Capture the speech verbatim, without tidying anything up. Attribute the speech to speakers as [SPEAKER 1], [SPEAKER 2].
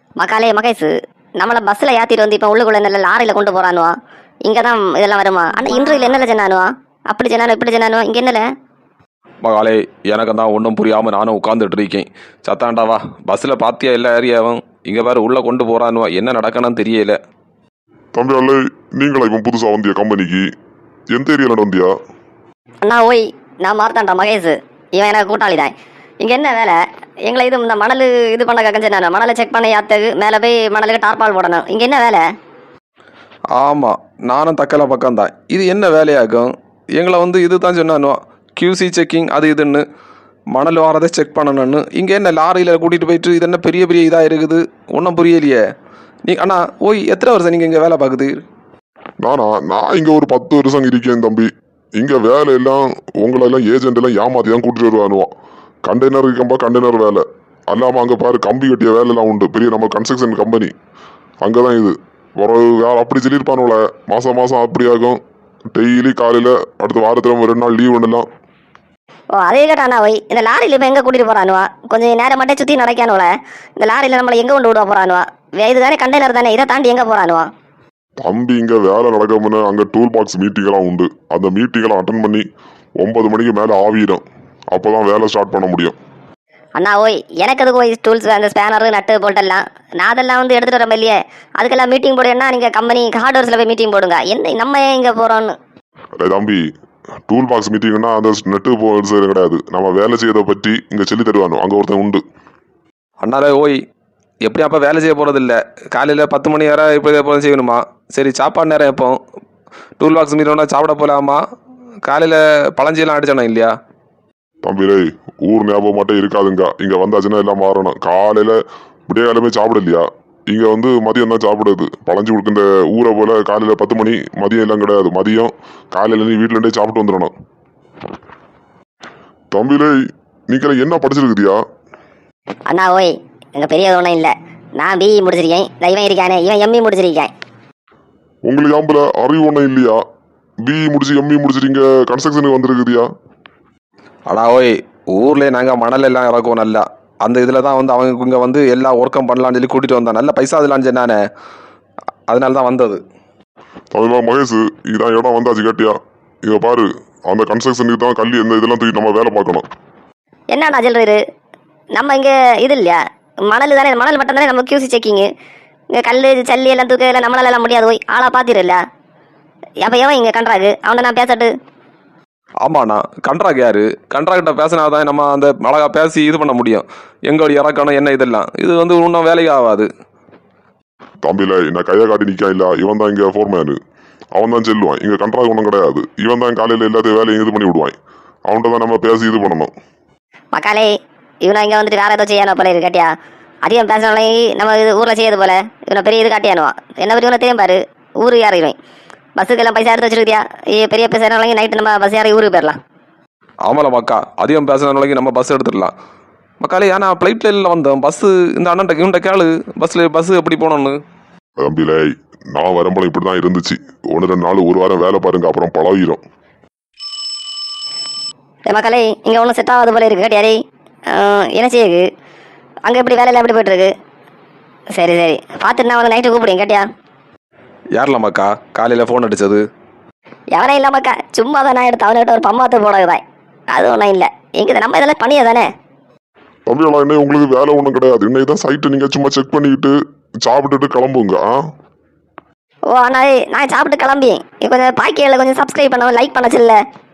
[SPEAKER 1] மக்காலே மகேஷ், நம்மளை பஸ்ஸில் ஏற்றிட்டு வந்து இப்போ உள்ளுக்குள்ள நல்ல லாரியில் கொண்டு போகிறானுவா. இங்கே தான் இதெல்லாம் வருமா? ஆனால் இன்றையில் என்னல சொன்னானுவா? அப்படி சொன்னானோ இப்படி சொன்னானோ இங்கே என்னல?
[SPEAKER 2] மகாலே, எனக்கு தான் ஒன்றும் புரியாமல் நானும் உட்காந்துட்டு இருக்கேன். சத்தாண்டாவா, பஸ்ஸில் பார்த்தியா எல்லா ஏரியாவும்? இங்கே வேறு உள்ளே கொண்டு போகிறானுவா. என்ன நடக்கணும்னு தெரியல.
[SPEAKER 3] தம்பி அல்ல, நீங்களா இப்போ புதுசாக வந்தியா கம்பெனிக்கு? எந்த ஏரியாவில் வந்தியா?
[SPEAKER 1] அண்ணா ஓய், நான் மார்த்தாண்டா மகேஷ். இவன் எனக்கு கூட்டாளி தான். இங்கே என்ன வேலை? எங்களை இது இந்த மணல் இது பண்ண கஞ்சனானோ, மணலை செக் பண்ண யாத்துக்கு மேலே போய் மணலுக்கு டார்பால் போடணும். இங்கே என்ன வேலை?
[SPEAKER 2] ஆமாம், நானும் தக்கலை பக்கம்தான். இது என்ன வேலையாகும்? எங்களை வந்து இது தான் சொன்னானோ, கியூசி செக்கிங் அது இதுன்னு மணல் வாரதை செக் பண்ணணும்னு. இங்கே என்ன லாரியில் கூட்டிகிட்டு போயிட்டு இது என்ன பெரிய பெரிய இதாக இருக்குது? ஒன்றும் புரியலையே. நீ அண்ணா ஓய், எத்தனை வருஷம் நீங்கள் இங்கே வேலை பார்க்குது?
[SPEAKER 3] நானா நான் இங்கே ஒரு பத்து வருஷம் இருக்கேன் தம்பி. இங்கே வேலை எல்லாம் உங்களெல்லாம் ஏஜென்ட் எல்லாம் ஏமாற்றி தான் கூட்டிட்டு வருவானுவான். கண்டெய்னர் இருக்கம்பா கண்டெய்னர் வேலை அல்லாமல் அங்கே பாரு கம்பி கட்டிய வேலைலாம் உண்டு. பெரிய நம்ம கன்ஸ்ட்ரக்ஷன் கம்பெனி அங்கே தான் இது. ஒரு வேலை அப்படி சொல்லியிருப்பானுல, மாதம் மாதம் அப்படி ஆகும். டெய்லி காலையில் அடுத்த வாரத்தில் ரெண்டு நாள் லீவ் ஒன்றுலாம்.
[SPEAKER 1] ஓ அதே கேட்டாண்ணா ஓய், இந்த லாரியில் இப்போ எங்கே கூட்டிகிட்டு போகிறானுவா? கொஞ்சம் நேரம் மட்டும் சுற்றி நடக்கானுவல. இந்த லாரியில் நம்மளை எங்கே கொண்டு விட போகிறானுவா? இது தானே கண்டெய்னர் தானே, இதை தாண்டி எங்கே போகிறானுவா?
[SPEAKER 3] தம்பி இங்கே வேலை நடக்காமனு அங்கே டூல் பாக்ஸ் மீட்டிங்கெல்லாம் உண்டு. அந்த மீட்டிங்கெல்லாம் அட்டன் பண்ணி ஒன்பது மணிக்கு மேலே ஆவிடும். அப்போ தான் வேலை ஸ்டார்ட் பண்ண முடியும்.
[SPEAKER 1] அண்ணா ஓய், எனக்கு அதுக்கு ஓய் டூல்ஸ் அந்த ஸ்பேனரு நட்டு போல்ட்டெல்லாம் நான் அதெல்லாம் வந்து எடுத்துகிட்டு வரேன் இல்லையே. அதுக்கெல்லாம் மீட்டிங் போடுன்னா நீங்கள் கம்பெனி ஹார்ட்வேர்ஸில் போய் மீட்டிங் போடுங்க. என்ன நம்ம ஏன் இங்கே போகிறோன்னு?
[SPEAKER 3] அதே தம்பி, டூல் பாக்ஸ் மீட்டிங்னா அந்த நெட்டு போகிறது கிடையாது. நம்ம வேலை செய்யறதை பற்றி இங்கே சொல்லி தருவானோ, அங்கே ஒருத்தன் உண்டு.
[SPEAKER 2] அண்ணாலே ஓய், எப்படி அப்போ வேலை செய்ய போகிறது இல்லை? காலையில் பத்து மணி வரை இப்போ இதே போல செய்யணுமா? சரி, சாப்பாடு நேரம் எப்போ? டூல் பாக்ஸ் மீட்டோன்னா சாப்பிட போகலாமா? காலையில் பழஞ்சியெல்லாம் அடிச்சோன்னா இல்லையா?
[SPEAKER 3] தம்பிலே, ஊர் ஞாபகம் மட்டும் இருக்காதுங்க. இங்கே வந்தாச்சுன்னா எல்லாம் மாறணும். காலையில் விடிய காலமே சாப்பிட இல்லையா? இங்கே வந்து மதியம் தான் சாப்பிடுது. பழஞ்சி கொடுக்க இந்த ஊரை போல் காலையில் பத்து மணி மதியம் எல்லாம் கிடையாது. மதியம் காலையில் நீ வீட்டிலேருந்தே சாப்பிட்டு வந்துடணும். தம்பிலே, நீங்கள என்ன படிச்சிருக்குதியா?
[SPEAKER 1] அண்ணா ஓய், எங்கள் பெரிய ஒன்றும் இல்லை. நான் பிஇ முடிச்சிருக்கேன். இவன் இருக்கானே, இவன் எம்இ முடிச்சிருக்கேன்.
[SPEAKER 3] உங்களுக்கு ஆம்பளை அறிவு ஒன்றும் இல்லையா? பிஇ முடிச்சு எம்இ முடிச்சிருங்க, கன்ஸ்ட்ரக்ஷனுக்கு வந்துருக்குதியா?
[SPEAKER 2] அடா ஓய், ஊர்லேயே நாங்கள் மணல் எல்லாம் இறக்குவோம் நல்லா. அந்த இதில் தான் வந்து அவங்க இங்கே வந்து எல்லா ஒர்க்கும் பண்ணலான்னு சொல்லி கூட்டிகிட்டு வந்தான். நல்ல பைசா அதெல்லாம் சொன்னானே, அதனால தான் வந்தது.
[SPEAKER 3] அதுதான் மகேஷ், இதான் இடம் வந்தாச்சு கேட்டியா? இதை பாரு, அந்த கன்ஸ்ட்ரக்ஷனுக்கு தான் கல்வி எந்த இதெல்லாம் தூக்கி நம்ம வேலை பார்க்கணும்.
[SPEAKER 1] என்னடா சொல்கிறாரு? நம்ம இங்கே இது இல்லையா, மணல் தானே, மணல் மட்டும் தானே நம்ம கியூசி செக்கிங்கு. இங்கே கல் சல்லி எல்லாம் தூக்க எல்லாம் நம்மளால எல்லாம் முடியாது. போய் ஆளாக பார்த்துருல. அப்போ எவன் இங்கே கண்ட்ராக்கு? அவனை நான் பேசட்டு.
[SPEAKER 2] ஆமாண்ணா, கண்ட்ராக்ட் யாரு? கண்ட்ராக்டை பேசினா தான் நம்ம அந்த அழகாக பேசி இது பண்ண முடியும். எங்களோட இறக்கணும் என்ன இதெல்லாம். இது வந்து இன்னும் வேலைக்கு ஆகாது.
[SPEAKER 3] தம்பியில என்ன கையை காட்டி நிற்கா இல்லை, இவன் தான் இங்கே ஃபோர்மேனு. அவன் தான் செல்லுவான். இங்கே கண்ட்ராக்ட் ஒன்றும் கிடையாது. இவன் தான் காலையில் எல்லாத்தையும் வேலையும் இது பண்ணி விடுவான். அவன்கிட்ட தான் நம்ம பேசி இது பண்ணணும்.
[SPEAKER 1] மக்காலே, இவனை இங்கே வந்துட்டு வேறு ஏதோ செய்யணும் போல இருக்கு கேட்டியா? அதிகம் பேசினாலே நம்ம இது ஊரில் செய்யறது போல இவனை பெரிய இது காட்டியானுவான். என்ன பற்றி இவனை தெரியும் பாரு. ஊருக்கு யார் இவன்? பஸ்ஸுக்கெல்லாம் பைசா எடுத்து வச்சிருக்கியா? பெரிய பேசுகிறவங்க நைட்டு நம்ம பஸ் யாரை ஊருக்கு போயிடலாம்.
[SPEAKER 2] ஆமாம் மக்கா, அதிகம் பேசுகிறவங்களுக்கு நம்ம பஸ் எடுத்துடலாம். மக்காலே, ஏன்னா ஃப்ளைட்டில் இல்லை வந்தோம். பஸ்ஸு இந்த அண்ணன் இவன்ட்ட கேளு, பஸ்ஸில் பஸ்ஸு எப்படி போகணுன்னு.
[SPEAKER 3] தம்பியில, நான் வரும்போது இப்படி தான் இருந்துச்சு. ஒன்று ரெண்டு நாள் ஒரு வாரம் வேலை பாருங்க, அப்புறம் பழகிடும்.
[SPEAKER 1] மக்காலே, இங்கே ஒன்றும் செட் ஆகாது போல இருக்கு கேட்டியாரே. என்ன செய்யுது அங்கே எப்படி வேலையெல்லாம் எப்படி போய்ட்டுருக்கு? சரி சரி, பார்த்துட்டு நான் வந்து நைட்டு கூப்பிடுங்க கேட்டியா?
[SPEAKER 2] யாரில் மக்கா காலையில் ஃபோன் அடித்தது?
[SPEAKER 1] எவனே இல்லாமக்கா, சும்மா தான் நான் எடுத்து அவன்கிட்ட ஒரு பம்மாத்து போடதான். அது ஒன்றும் இல்லை. எங்கே நம்ம இதெல்லாம் பண்ணியா தானே?
[SPEAKER 3] தம்பியெல்லாம் இன்னும் உங்களுக்கு வேலை ஒன்றும் கிடையாது. இன்னைக்கு தான் சைட்டு நீங்கள் சும்மா செக் பண்ணிக்கிட்டு சாப்பிட்டுட்டு கிளம்புங்க.
[SPEAKER 1] ஓ அண்ணா, நான் சாப்பிட்டு கிளம்பி கொஞ்சம் பாக்கியில் கொஞ்சம் சப்ஸ்கிரைப் பண்ண லைக் பண்ண சொல்ல.